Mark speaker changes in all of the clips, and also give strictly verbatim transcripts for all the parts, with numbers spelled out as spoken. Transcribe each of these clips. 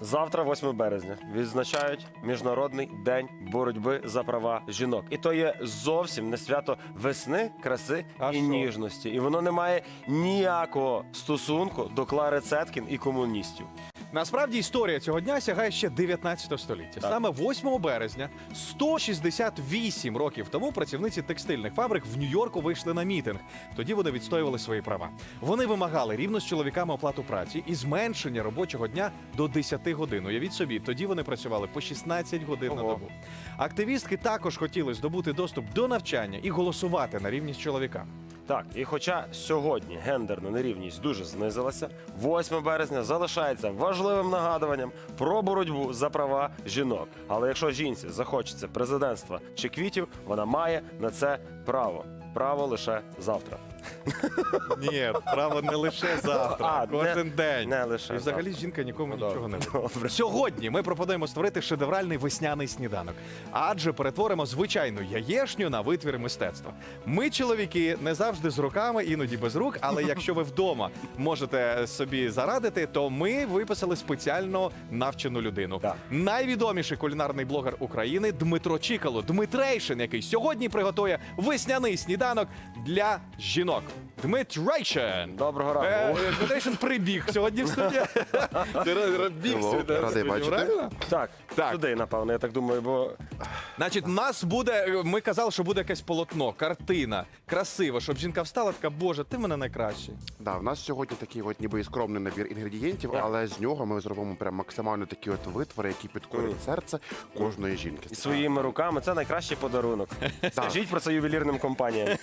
Speaker 1: Завтра, восьме березня, відзначають Міжнародний день боротьби за права жінок. І то є зовсім не свято весни, краси
Speaker 2: А
Speaker 1: і
Speaker 2: що?
Speaker 1: ніжності. І воно не має ніякого стосунку до Клари Цеткін і комуністів.
Speaker 2: Насправді історія цього дня сягає ще дев'ятнадцятого століття.
Speaker 1: Так.
Speaker 2: Саме восьмого березня, сто шістдесят вісім років тому, працівниці текстильних фабрик в Нью-Йорку вийшли на мітинг. Тоді вони відстоювали свої права. Вони вимагали рівно з чоловіками оплату праці і зменшення робочого дня до десяти годин. Уявіть собі, тоді вони працювали по шістнадцять годин на
Speaker 1: Ого.
Speaker 2: добу. Активістки також хотіли здобути доступ до навчання і голосувати на рівні з чоловіками.
Speaker 1: Так, і хоча сьогодні гендерна нерівність дуже знизилася, восьме березня залишається важливим нагадуванням про боротьбу за права жінок. Але якщо жінці захочеться президентства чи квітів, вона має на це право. Право лише завтра.
Speaker 2: Ні, право не лише завтра,
Speaker 1: А,
Speaker 2: а кожен
Speaker 1: не-
Speaker 2: день.
Speaker 1: не лише
Speaker 2: І взагалі
Speaker 1: завтра.
Speaker 2: жінка нікому
Speaker 1: Ну,
Speaker 2: нічого не
Speaker 1: добре.
Speaker 2: винна.
Speaker 1: Добре.
Speaker 2: Сьогодні ми пропонуємо створити шедевральний весняний сніданок, адже перетворимо звичайну яєшню на витвір мистецтва. Ми, чоловіки, не завжди з руками, іноді без рук, але якщо ви вдома можете собі зарадити, то ми виписали спеціально навчену людину.
Speaker 1: Так.
Speaker 2: Найвідоміший кулінарний блогер України Дмитро Чікало, Дмитрейшин, який сьогодні приготує весняний сніданок для жінок. Дмитрейшин!
Speaker 1: Доброго ранку.
Speaker 2: Е, Дмитрейшин прибіг сьогодні в студію. Ти біг
Speaker 3: Hello,
Speaker 2: сюди,
Speaker 3: радий
Speaker 2: в студію,
Speaker 3: бачити.
Speaker 2: правильно?
Speaker 1: Так,
Speaker 2: Так.
Speaker 1: сюди, напевно, я так думаю, бо
Speaker 2: Значить, у нас буде, ми казали, що буде якесь полотно, картина, красиво, щоб жінка встала, така, боже, ти в мене найкращий.
Speaker 3: Да, в нас сьогодні такий от ніби і скромний набір інгредієнтів,
Speaker 1: Так.
Speaker 3: але з нього ми зробимо прям максимально такі от витвори, які підкорять серце кожної жінки.
Speaker 1: і своїми руками це найкращий подарунок. Скажіть про це ювелірним компаніям.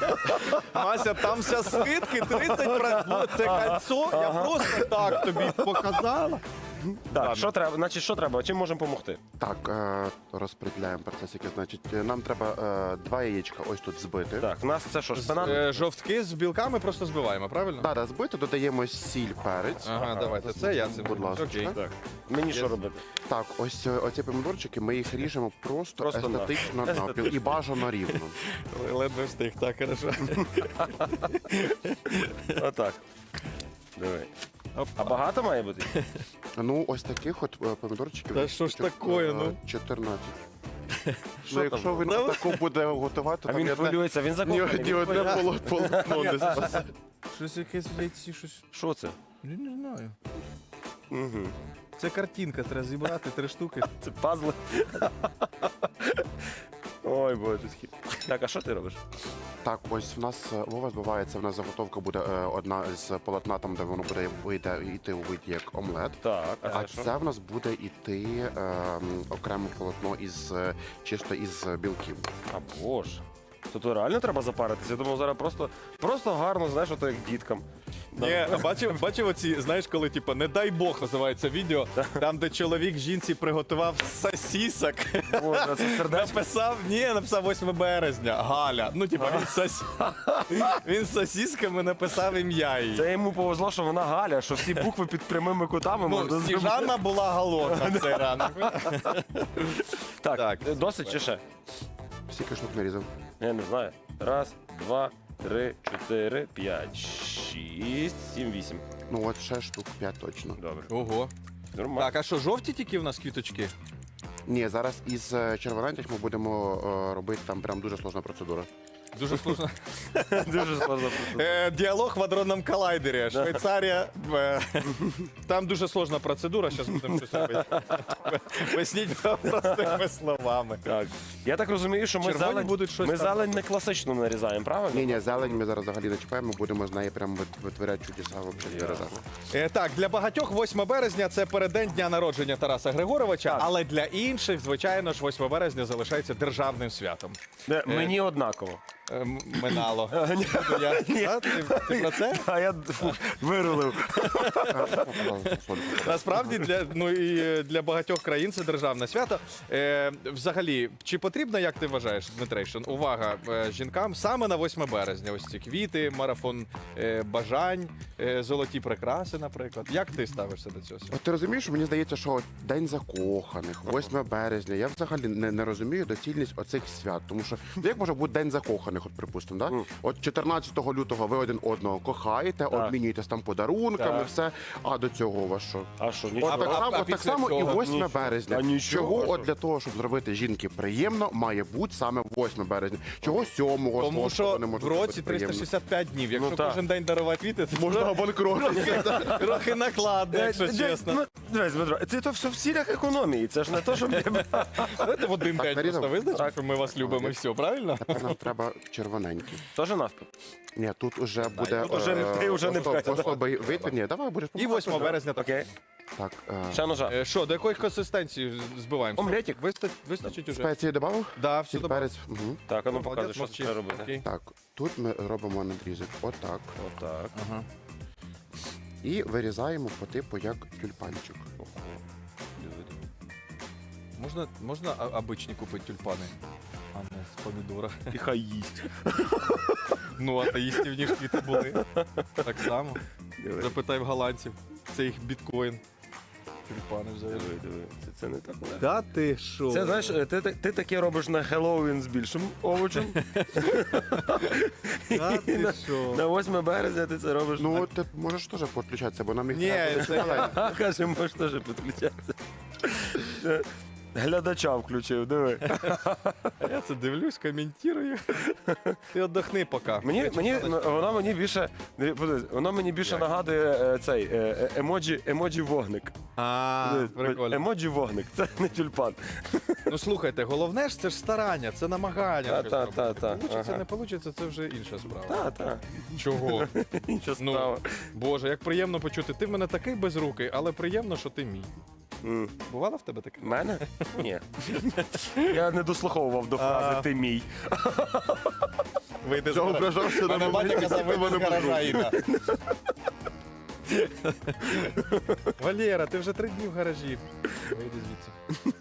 Speaker 2: Мася, там вся скидки, тридцять відсотків. Це кольцо, я просто так тобі показала.
Speaker 1: Так, що треба, значить, що треба? Чим можемо допомогти?
Speaker 3: Так, е, розподіляємо процесики. Значить, е, нам треба е, два яєчка ось тут збити.
Speaker 1: Так, в нас це що, шпинат?
Speaker 2: Е, Жовтки з білками просто збиваємо, правильно?
Speaker 3: Да, да, збити, додаємо сіль, перець.
Speaker 2: Ага, давайте, це я це
Speaker 3: Будь ласка.
Speaker 2: Окей.
Speaker 1: Так. Мені що робити?
Speaker 3: Так, ось е, оці помідорчики, ми їх ріжемо просто,
Speaker 1: Просто на-
Speaker 3: естетично навпіл і бажано рівно.
Speaker 2: Ледве встиг, так, хорошо.
Speaker 1: Отак. Диви.
Speaker 2: Оп.
Speaker 1: А багато має бути?
Speaker 3: Ну, ось таких от е, помідорчиків.
Speaker 2: Та
Speaker 3: десь
Speaker 2: що ж
Speaker 3: таких,
Speaker 2: такое,
Speaker 3: е,
Speaker 2: ну?
Speaker 3: чотирнадцять.
Speaker 1: Що
Speaker 3: Ну, якщо
Speaker 1: там?
Speaker 3: він таку буде готувати,
Speaker 1: А
Speaker 3: там
Speaker 1: він
Speaker 3: ні одне-
Speaker 1: хвилюється, він
Speaker 3: ні,
Speaker 1: закоханий.
Speaker 3: ні
Speaker 1: він
Speaker 3: одне
Speaker 1: хвилюється.
Speaker 3: поло- полотно не спасе.
Speaker 2: Щось якесь в яйці, щось.
Speaker 1: Що це?
Speaker 2: Я не знаю.
Speaker 1: Угу.
Speaker 2: Це картинка, треба зібрати три штуки.
Speaker 1: Це пазли. Ой, боже. Так, а що ти робиш?
Speaker 3: Так, ось в нас е, Вова збивається, в нас заготовка буде е, одна з полотна, там, де воно буде вийде, йти у виді як омлет.
Speaker 1: Так, а
Speaker 3: А
Speaker 1: це що?
Speaker 3: це в нас буде йти е, м, окреме полотно із е, чисто із білків.
Speaker 1: А боже. То то реально треба запаритися? Я думав, зараз просто, просто гарно, знаєш, ото як діткам.
Speaker 2: Ні, а бачив, бачив оці, знаєш, коли, типу, не дай Бог називається відео, там, де чоловік жінці приготував сосісок.
Speaker 1: Боже, це сердечко.
Speaker 2: Написав, ні, написав восьме березня, Галя. Ну, типу, він, сос... він з сосісками написав ім'я її.
Speaker 1: Це йому повезло, що вона Галя, що всі букви під прямими кутами можна
Speaker 2: Ну,
Speaker 1: зробити.
Speaker 2: Сніжана була голодна в цей ранок.
Speaker 1: Так,
Speaker 2: Так.
Speaker 1: досить чи ще?
Speaker 3: Скільки штук нарізав?
Speaker 1: Я не знаю. Раз, два, три, чотири, п'ять, шість, сім, вісім.
Speaker 3: Ну от ще штук п'ять точно.
Speaker 1: Добре.
Speaker 2: Ого.
Speaker 1: Нормально.
Speaker 2: Так, а що, жовті тільки в нас квіточки?
Speaker 3: Ні, зараз із е, червоненьких ми будемо е, робити там прям дуже сложна процедура.
Speaker 2: Дуже сложно.
Speaker 1: Дуже складно.
Speaker 2: Е, Діалог в адронному колайдері. Швейцарія. е, Там дуже сложна процедура, зараз будемо щось робити. Поясніть простими словами.
Speaker 1: Так. Я так розумію, що ми
Speaker 2: Червоні
Speaker 1: зелень,
Speaker 2: будуть щось
Speaker 1: ми
Speaker 2: там.
Speaker 1: зелень не класично нарізаємо, правильно?
Speaker 3: Ні, ні, зелень ми зараз взагалі не чіпаємо, будемо з неї прям вит- витворяти чудеса взагалі
Speaker 1: Ясно.
Speaker 3: дережа.
Speaker 2: Е, Так, для багатьох восьме березня це переддень дня народження Тараса Григоровича,
Speaker 1: Так.
Speaker 2: але для інших, звичайно ж, восьме березня залишається державним святом.
Speaker 1: Не, Мені однаково.
Speaker 2: Е, м- Минало. Буду я- А, Ти ти про це?
Speaker 1: А я фу, вирулив.
Speaker 2: Насправді для ну і е, для багатьох країн це державне свято. Е, взагалі, чи потрібно, як ти вважаєш, Дмитрейшин, увага е, жінкам саме на восьме березня? Ось ці квіти, марафон е, бажань, е, золоті прикраси, наприклад. Як ти ставишся до цього?
Speaker 3: От ти розумієш, мені здається, що от День закоханих, восьме березня. Я взагалі не, не розумію доцільність оцих свят. Тому що ну, як може бути День закоханих? весняних, от припустимо, да?
Speaker 1: Мгм.
Speaker 3: От чотирнадцятого лютого ви один одного кохаєте, обмінюєтесь там подарунками,
Speaker 1: Так.
Speaker 3: все. А до цього у вас що?
Speaker 1: А що,
Speaker 3: От
Speaker 1: нічого?
Speaker 3: так
Speaker 2: а-
Speaker 3: само,
Speaker 2: а
Speaker 3: от так
Speaker 2: після
Speaker 3: само і
Speaker 2: цього?
Speaker 3: восьме
Speaker 1: Нічого.
Speaker 3: березня.
Speaker 1: А нічого?
Speaker 3: Чого
Speaker 1: А
Speaker 3: от
Speaker 1: що?
Speaker 3: для того, щоб зробити жінки приємно, має бути саме восьме березня. Чого сьомого,
Speaker 2: Тому
Speaker 3: шостого
Speaker 2: що
Speaker 3: не може
Speaker 2: в
Speaker 3: бути
Speaker 2: році
Speaker 3: приємно?
Speaker 2: триста шістдесят п'ять днів. Якщо
Speaker 1: Ну, так.
Speaker 2: кожен день дарувати квіти, це
Speaker 3: Можна обанкротитися.
Speaker 2: трохи накладно, якщо
Speaker 1: Де-
Speaker 2: чесно.
Speaker 1: ну, Дивись, Дмитро, це то все в цілях економії. Це ж не то, щоб
Speaker 2: Давайте в один
Speaker 3: Так,
Speaker 2: день
Speaker 3: Маріна,
Speaker 2: просто визначимо,
Speaker 1: так.
Speaker 2: що ми вас любимо і все, правильно?
Speaker 3: Тепер нам треба червоненький.
Speaker 1: теж навпіл.
Speaker 3: Ні, тут уже буде
Speaker 1: тут уже не- ти вже не
Speaker 3: особ-
Speaker 1: бачиш.
Speaker 3: особий вид. Ні, давай будеш
Speaker 2: І
Speaker 3: помагати.
Speaker 2: восьмого березня так.
Speaker 1: Окей.
Speaker 3: Так, е,
Speaker 1: Ще ножа.
Speaker 2: Е, Що, до якої консистенції збиваємо?
Speaker 1: Омлетик.
Speaker 2: Виста- Вистачить уже?
Speaker 3: спеції додав?
Speaker 2: Да, все
Speaker 3: Сіль,
Speaker 2: добре.
Speaker 3: перець. Угу.
Speaker 1: Так, а ну
Speaker 2: Молодець,
Speaker 1: показуй, що
Speaker 2: мовчи.
Speaker 1: треба робити.
Speaker 2: Окей.
Speaker 3: Так, тут ми робимо надрізок отак.
Speaker 1: Отак.
Speaker 2: Ага.
Speaker 3: І вирізаємо по типу як тюльпанчик.
Speaker 2: Можна, можна а- обичні купити тюльпани, а не з помідора.
Speaker 1: І хай їсть.
Speaker 2: Ну, атеїстів ніж квіти були. Так само.
Speaker 1: Диви,
Speaker 2: Запитай в голландців. Це їх біткоін. Тюльпани взагалі.
Speaker 1: диви, диви. Це, це не так легко.
Speaker 2: Да ти що?
Speaker 1: Це, знаєш, ти, ти, ти таке робиш на Хеллоуін з більшим овочем.
Speaker 2: Да ти що?
Speaker 1: На восьме березня ти це робиш.
Speaker 3: Ну, ти можеш теж підключатися, бо нам їх
Speaker 2: Ні,
Speaker 3: треба
Speaker 2: це
Speaker 3: буде
Speaker 1: А, каже, можеш теж підключатися. Глядача включив, диви.
Speaker 2: Я це дивлюсь, коментую. Ти віддохни поки.
Speaker 1: Мені, мені, воно мені більше, диви, подивись, воно мені більше
Speaker 2: Як?
Speaker 1: нагадує е, цей е, е, емоджі, емоджі вогник.
Speaker 2: А,
Speaker 1: Дивись,
Speaker 2: прикольно.
Speaker 1: Емоджі вогник, це не тюльпан.
Speaker 2: Ну слухайте, головне ж це ж старання, це намагання.
Speaker 1: Та,
Speaker 2: щось
Speaker 1: та,
Speaker 2: робити.
Speaker 1: та, та,
Speaker 2: Получиться,
Speaker 1: ага.
Speaker 2: не получиться, це вже інша справа.
Speaker 1: Та, та,
Speaker 2: Чого?
Speaker 1: інша
Speaker 2: Ну,
Speaker 1: справа.
Speaker 2: Боже, як приємно почути. Ти в мене такий безрукий, але приємно, що ти мій.
Speaker 1: М.
Speaker 2: Бувало в тебе таке?
Speaker 1: Мене? Ні. Я не дослуховував до фрази
Speaker 2: А.
Speaker 1: «ти мій».
Speaker 2: Вийде з
Speaker 3: Я
Speaker 2: гаража.
Speaker 3: ображався на
Speaker 2: Мене батя
Speaker 3: моменті,
Speaker 2: казав,
Speaker 3: коли
Speaker 2: вийди з
Speaker 3: мене
Speaker 2: гаража, Інна. Валєра, ти вже три дні в гаражі. Вийди звідси.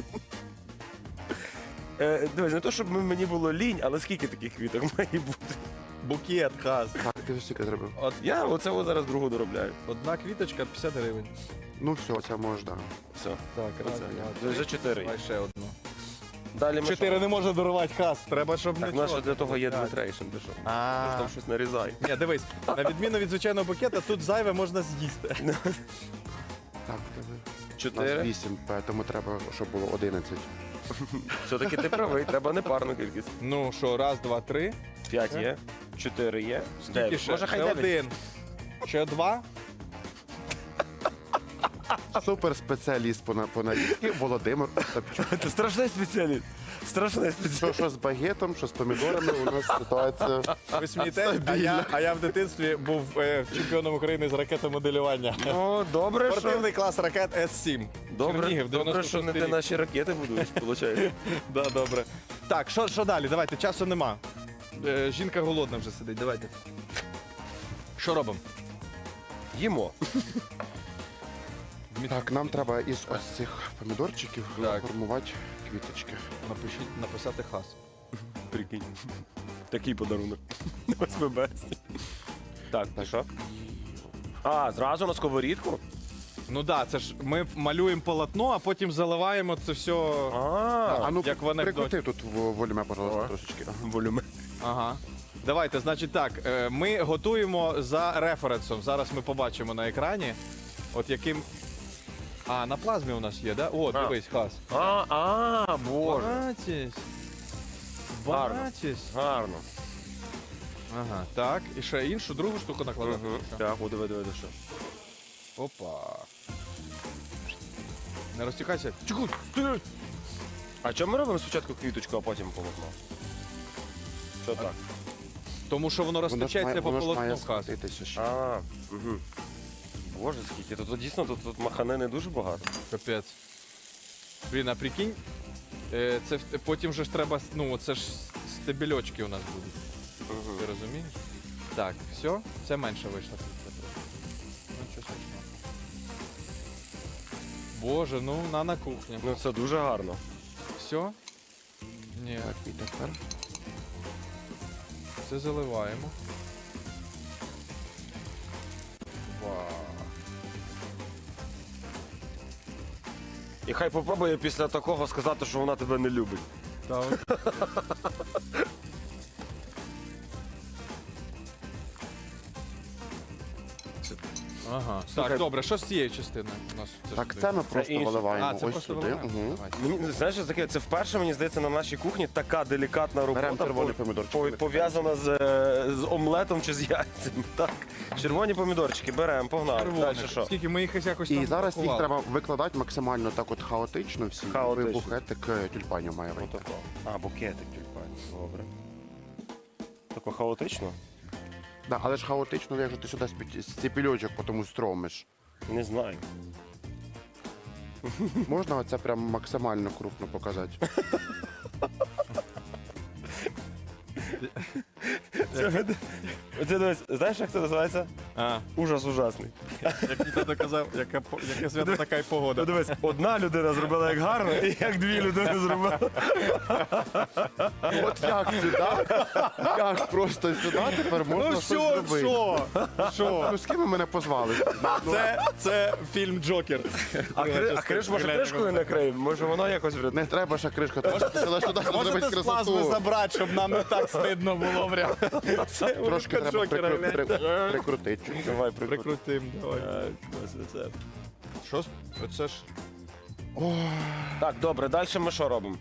Speaker 1: Е, Дивись, не то, щоб м- мені було лінь, але скільки таких квіток має бути?
Speaker 2: Букет, хаз.
Speaker 3: Так, ти вже стільки зробив.
Speaker 2: От
Speaker 1: Я оце от зараз другу доробляю.
Speaker 2: одна квіточка п'ятдесят гривень.
Speaker 3: Ну все, це можеш, так.
Speaker 1: Все.
Speaker 2: Так, раз,
Speaker 1: Оце.
Speaker 2: два,
Speaker 1: Вже
Speaker 2: три.
Speaker 1: чотири.
Speaker 2: Давай ще одну.
Speaker 1: Далі ми
Speaker 2: Чотири
Speaker 1: що?
Speaker 2: не може дарувати хаз. Треба, щоб
Speaker 1: Так,
Speaker 2: не
Speaker 1: наше
Speaker 2: чорт.
Speaker 1: для того є
Speaker 2: Так.
Speaker 1: Дмитрейшн, ти що? Ти ж
Speaker 2: А.
Speaker 1: там щось нарізай.
Speaker 2: Ні, дивись, на відміну від звичайного букета, тут зайве можна з'їсти.
Speaker 3: Так, диви. У нас
Speaker 1: Чотири.
Speaker 3: вісім, тому треба, щоб було одинадцять.
Speaker 1: Все-таки ти правий, треба непарну кількість.
Speaker 2: Ну що, раз, два, три.
Speaker 1: П'ять є, чотири є,
Speaker 2: Скільки
Speaker 1: дев'ять.
Speaker 2: ще?
Speaker 1: Може, хай
Speaker 2: Ще
Speaker 1: дев'ять.
Speaker 2: один. Ще два.
Speaker 3: Супер спеціаліст по, на- по нарізці Володимир Остапчук.
Speaker 1: Це страшний спеціаліст. Страшний спеціаліст.
Speaker 3: Що, що з багетом, що з помідорами, у нас ситуація.
Speaker 2: Ви смієтесь, а я, а я в дитинстві був е, чемпіоном України з ракетомоделювання.
Speaker 1: Ну, добре, що...
Speaker 2: Спортивний клас ракет С сім.
Speaker 1: Добре,
Speaker 2: Чернігів,
Speaker 1: добре, що не
Speaker 2: дев'яносто шостий
Speaker 1: ти
Speaker 2: рік.
Speaker 1: наші ракети будуєш, виходить.
Speaker 2: Да, добре. Так, що, що далі? Давайте, часу нема. Е, жінка голодна вже сидить, давайте. Що робимо?
Speaker 1: Їмо.
Speaker 3: Так, нам треба із ось цих помідорчиків
Speaker 2: Так.
Speaker 3: формувати квіточки.
Speaker 2: Напишіть, написати хас.
Speaker 1: Прикинь. Такий подарунок. восьме березня. Так, ти що? А, зразу на сковорідку?
Speaker 2: Ну так, да, це ж ми малюємо полотно, а потім заливаємо це все.
Speaker 1: А,
Speaker 3: А ну,
Speaker 2: як в анекдоті.
Speaker 3: прикрути тут в- волюме, пожалуйста,
Speaker 1: О.
Speaker 3: трошечки. Ага.
Speaker 1: волюме.
Speaker 2: Ага. Давайте, значить так, е, ми готуємо за референсом. Зараз ми побачимо на екрані. От яким. А, на плазмі у нас є, да? О,
Speaker 1: А.
Speaker 2: дивись, хас.
Speaker 1: А, а, боже.
Speaker 2: Бачись.
Speaker 1: Гарно.
Speaker 2: Бачись.
Speaker 1: Гарно.
Speaker 2: Ага, так. І ще іншу другу штуку накладати.
Speaker 1: Угу.
Speaker 2: чи що?
Speaker 1: Так, о, диви, диви, диви, що.
Speaker 2: Опа. Не розтікайся.
Speaker 1: Чекай, ти! А чому ми робимо спочатку квіточку, а потім полотно? Що так?
Speaker 2: Тому що воно
Speaker 3: Воно ж
Speaker 2: розтечеться
Speaker 3: має-
Speaker 2: по
Speaker 3: воно ж має
Speaker 2: полотну хас.
Speaker 3: схватитися ще.
Speaker 1: А, угу. Боже, скільки. Тут, тут дійсно тут, тут махани не дуже багато.
Speaker 2: Капець. Блін, а прикинь, е, це в- потім же ж треба, ну, це ж стебельочки у нас будуть.
Speaker 1: Угу.
Speaker 2: Ти розумієш? Так, все, це менше вийшло. Ну, що страшного. Боже, ну на на кухні.
Speaker 1: Ну це дуже гарно.
Speaker 2: Все? Ні,
Speaker 3: Так, і тепер.
Speaker 2: це заливаємо. Вау.
Speaker 1: І хай попробує після такого сказати, що вона тебе не любить.
Speaker 2: Так. Ага.
Speaker 1: Слухай,
Speaker 2: Так, добре, що з цієї частини у нас?
Speaker 3: Так,
Speaker 2: сюди?
Speaker 3: це ми просто
Speaker 1: інше.
Speaker 3: виливаємо
Speaker 2: А, це
Speaker 3: ось
Speaker 2: просто
Speaker 3: сюди.
Speaker 2: виливаємо?
Speaker 3: Мгм.
Speaker 2: Давай.
Speaker 1: Мені знаєш, що таке? Це вперше, мені здається, на нашій кухні така делікатна
Speaker 3: Беремо
Speaker 1: робота
Speaker 3: червоний
Speaker 1: по-
Speaker 3: помідорчик.
Speaker 1: по- пов'язана з, е, з омлетом чи з яйцями. Так, червоні помідорчики беремо, погнали.
Speaker 2: Червоних.
Speaker 1: Далі що?
Speaker 2: Скільки ми їх якось
Speaker 3: І
Speaker 2: там
Speaker 3: зараз їх
Speaker 2: пакували.
Speaker 3: треба викладати максимально так от хаотично всі.
Speaker 1: Хаотично.
Speaker 3: І букетик е, тюльпанів має вийти.
Speaker 1: Отако. А, букетик тюльпанів. Добре. Тако хаотично?
Speaker 3: Да, але ж хаотично, якщо ти сюди з ціпільочок потім стромиш.
Speaker 1: Не знаю.
Speaker 3: Можна оце прям максимально крупно показати?
Speaker 1: Це, це, дивись, знаєш, як це називається?
Speaker 2: А,
Speaker 1: Ужас ужасний.
Speaker 2: як ти доказав, яке, по- яке свято, така й погода.
Speaker 1: Ну, дивись, одна людина зробила як гарно, і як дві людини зробили.
Speaker 3: От як сюди? Як просто сюди тепер можна
Speaker 2: Ну
Speaker 3: щось
Speaker 2: що,
Speaker 3: зробити?
Speaker 2: що? Що?
Speaker 3: Ну з ким ви мене позвали? Ну,
Speaker 2: Це, це фільм Джокер.
Speaker 1: А, кри, а криш, може, кришкою накриємо? Може, воно якось врятує?
Speaker 3: Не треба ще кришка, треба сюди, сюди
Speaker 2: Можете
Speaker 3: зробити
Speaker 2: з плазми
Speaker 3: красоту.
Speaker 2: забрати, щоб нам не так стидно було прям. Це
Speaker 3: Трошки
Speaker 2: улыбка
Speaker 3: треба
Speaker 2: Джокера,
Speaker 3: прикру-
Speaker 2: гляньте.
Speaker 3: при- прикрутити. чуть-чуть.
Speaker 1: Давай, прикрути.
Speaker 2: Прикрутим, давай. Що? Оце ж...
Speaker 1: Так, добре, далі ми що робимо?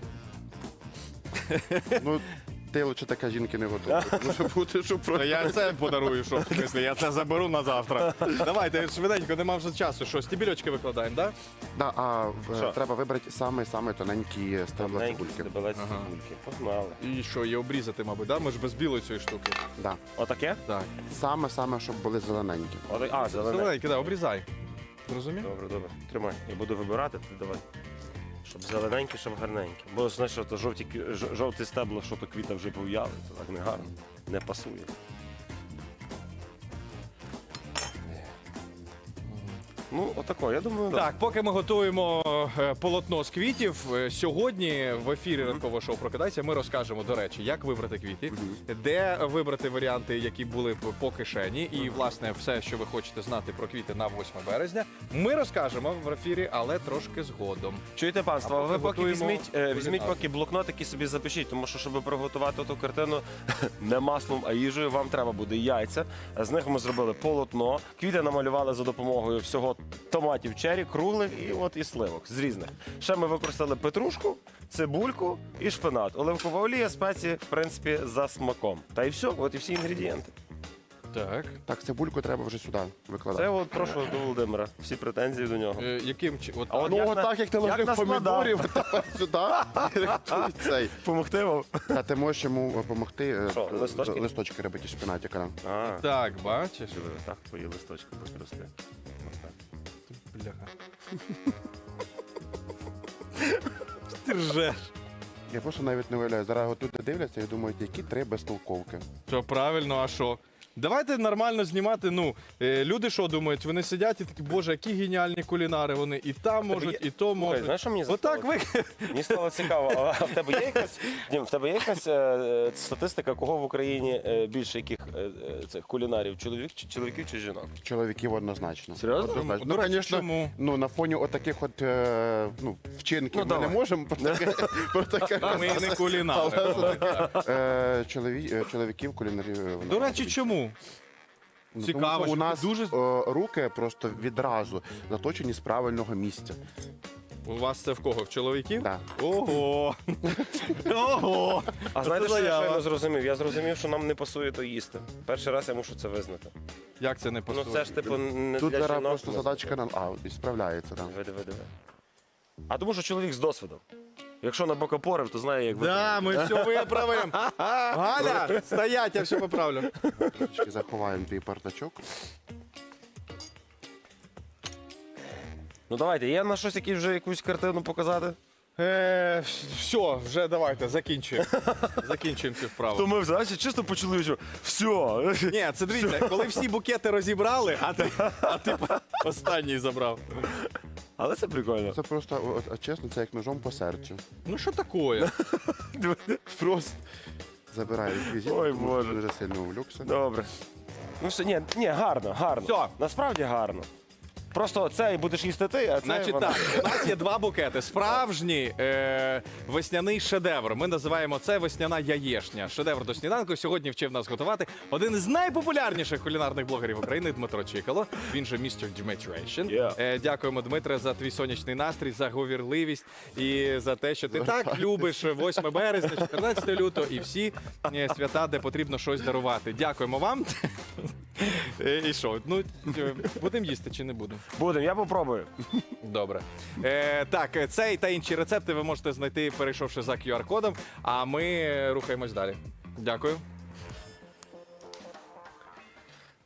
Speaker 3: Ну, ти лише така жінки не готова. Може бути, що
Speaker 2: Та
Speaker 3: просто...
Speaker 2: я це подарую, що в смислі, я це заберу на завтра. Давайте, швиденько, нема вже часу. Що, стібільочки викладаємо, так?
Speaker 3: Да, а в-
Speaker 1: Що?
Speaker 3: треба вибрати саме-саме тоненькі стебла
Speaker 1: Маленькі
Speaker 3: цибульки.
Speaker 1: стебелець
Speaker 2: Ага.
Speaker 1: цибульки. Погнали.
Speaker 2: І що, її обрізати, мабуть, да? Ми ж без білої цієї штуки.
Speaker 3: Да.
Speaker 1: Отаке?
Speaker 2: Так.
Speaker 3: Саме-саме, щоб були зелененькі.
Speaker 1: Отак. А, зелене.
Speaker 2: Зелененький, да, обрізай. Зрозумів?
Speaker 1: Добре, добре. Тримай. Я буду вибирати, ти давай. Щоб зелененькі, щоб гарненькі. Бо знаєш, що то жовті, кві- ж- жовті стебла, що то квіта вже пов'яли, то так не гарно. Не пасує. Ну, отако, я думаю,
Speaker 2: Так, поки ми готуємо е, полотно з квітів, е, сьогодні в ефірі ранкового шоу «Прокидайся» ми розкажемо, до речі, як вибрати квіти, де вибрати варіанти, які були б по кишені, і, власне, все, що ви хочете знати про квіти на восьме березня, ми розкажемо в ефірі, але трошки згодом.
Speaker 1: Чуєте, панство,
Speaker 2: А
Speaker 1: а ви
Speaker 2: поки
Speaker 1: поки
Speaker 2: готуємо
Speaker 1: візьміть, е, візьміть
Speaker 2: кулінарну.
Speaker 1: поки блокнотики собі запишіть, тому що, щоб приготувати ту картину не маслом, а їжею, вам треба буде яйця. З них ми зробили полотно. Квіти намалювали за допомогою всього томатів чері, круглих і от і сливок з різних. Ще ми використали петрушку, цибульку і шпинат. Оливкова олія, спеції, в принципі, за смаком. Та і все, от і всі інгредієнти.
Speaker 2: Так.
Speaker 3: Так, цибульку треба вже сюди викладати.
Speaker 1: Це от прошу до Володимира. Всі претензії до нього.
Speaker 2: Е, яким чи- от,
Speaker 1: А от
Speaker 3: Ну,
Speaker 1: як
Speaker 3: отак,
Speaker 1: на-
Speaker 3: як ти
Speaker 1: як
Speaker 3: ложив
Speaker 1: наскладав.
Speaker 3: помідорів, тепер сюди. і цей.
Speaker 1: Помогти вам?
Speaker 3: А ти можеш йому допомогти
Speaker 1: Що, листочки?
Speaker 3: листочки робити з шпинатика.
Speaker 1: А,
Speaker 2: Так, бачиш?
Speaker 1: диви, так твої листочки будуть рости. Отак.
Speaker 2: Бляха. Ти ржеш.
Speaker 3: Я просто навіть не уявляю. Зараз от люди дивляться і думають, які три безтолковки.
Speaker 2: Що правильно, а що? Давайте нормально знімати. Ну, е, люди що думають? Вони сидять і такі, боже, які геніальні кулінари вони. І там можуть,
Speaker 1: є-
Speaker 2: і то
Speaker 1: Слухай,
Speaker 2: можуть.
Speaker 1: знаєш, що мені
Speaker 2: Отак
Speaker 1: застало?
Speaker 2: ви.
Speaker 1: Мені стало цікаво, а в тебе є якась, Дім, в тебе є якась е, е, статистика, кого в Україні е, більше яких е, е, цих кулінарів, чоловік, чи- чоловіків чи жінок?
Speaker 3: Чоловіків однозначно.
Speaker 1: Серйозно?
Speaker 3: Однозначно.
Speaker 2: До
Speaker 3: Ну,
Speaker 2: речі,
Speaker 3: звісно,
Speaker 2: чому?
Speaker 3: ну, на фоні отаких от, е, ну, вчинків
Speaker 1: Ну,
Speaker 3: ми
Speaker 1: давай.
Speaker 3: не можемо про таке, про таке
Speaker 2: Ми
Speaker 3: казати.
Speaker 2: не кулінари.
Speaker 3: Е, чолові- е, Чоловіків кулінарів. е,
Speaker 2: До речі, чому?
Speaker 3: Ну,
Speaker 2: цікаво,
Speaker 3: тому що у
Speaker 2: що
Speaker 3: нас
Speaker 2: ти дуже-
Speaker 3: е, руки просто відразу заточені з правильного місця.
Speaker 2: У вас це в кого? В чоловіків?
Speaker 3: Да.
Speaker 2: Ого! Ого!
Speaker 1: А знаєте, що я
Speaker 2: заява.
Speaker 1: щойно зрозумів? Я зрозумів, що нам не пасує то їсти. Перший раз я мушу це визнати.
Speaker 2: Як це не
Speaker 1: Ну
Speaker 2: пасує?
Speaker 1: це ж типу не
Speaker 3: Тут
Speaker 1: для
Speaker 3: зараз
Speaker 1: жінок.
Speaker 3: просто
Speaker 1: ми-
Speaker 3: задачка на а, і справляється. Да.
Speaker 1: Диви, диви, диви. А тому що чоловік з досвідом. Якщо на бокопорив, то знає, як
Speaker 2: Да, ми все виправимо. Галя, стоять, я все поправлю.
Speaker 3: Трошечки заховаємо твій партачок.
Speaker 1: Ну давайте, є на щось якісь вже якусь картину показати?
Speaker 2: Е, все, вже давайте, закінчуємо. Закінчуємо цю вправу.
Speaker 1: То ми взагалі чисто почали, що все.
Speaker 2: Ні, це дивіться, коли всі букети розібрали, а ти, а ти останній забрав.
Speaker 1: Але це прикольно.
Speaker 3: Це просто, от, от, чесно, це як ножом по серцю.
Speaker 2: Ну що таке?
Speaker 3: Просто забираю візит,
Speaker 1: Ой,
Speaker 3: тому що
Speaker 1: Боже.
Speaker 3: дуже сильно увлекся.
Speaker 1: Добре. Ну все, ні, ні, гарно, гарно.
Speaker 2: Все.
Speaker 1: Насправді гарно. Просто цей будеш їсти ти, а це
Speaker 2: Значить
Speaker 1: вона.
Speaker 2: так, у нас є два букети. Справжній е, весняний шедевр. Ми називаємо це весняна яєшня. Шедевр до сніданку. Сьогодні вчив нас готувати один із найпопулярніших кулінарних блогерів України Дмитро Чикало. Він же містер Дмитрейшн.
Speaker 1: Yeah.
Speaker 2: Е, дякуємо, Дмитре, за твій сонячний настрій, за говірливість і за те, що ти так любиш восьме березня, чотирнадцяте лютого і всі е, свята, де потрібно щось дарувати. Дякуємо вам. Е, І що? Ну, е, будемо їсти чи не будемо?
Speaker 1: Будемо, я попробую.
Speaker 2: Добре. Е, так, е, цей та інші рецепти ви можете знайти, перейшовши за ку ар кодом, а ми рухаємось далі. Дякую.